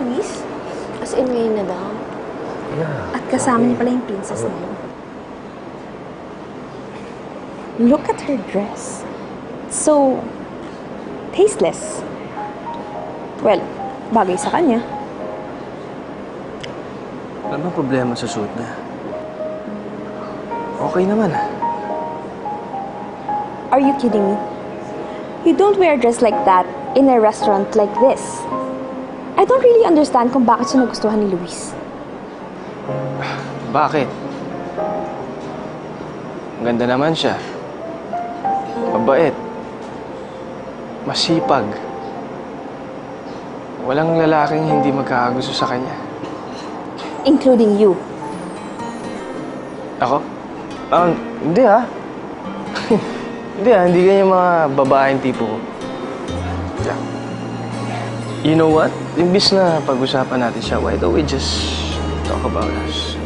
Luis? As in, ngayon na daw. Yeah. At kasama niya pala yung princess na yun. Look at her dress. So, tasteless. Well, bagay sa kanya. Ano ba problema sa suit niya? Okay naman. Are you kidding me? You don't wear a dress like that in a restaurant like this. I don't really understand kung bakit siya nagustuhan ni Luis. Bakit? Ganda naman siya. Mabait. Masipag. Walang lalaking hindi magkakagusto sa kanya. Including you. Ako? Hindi ha. Hindi ganyan mga babaeng tipo ko. Yeah. You know what? Imbis na pag-usapan natin siya, why don't we just talk about us?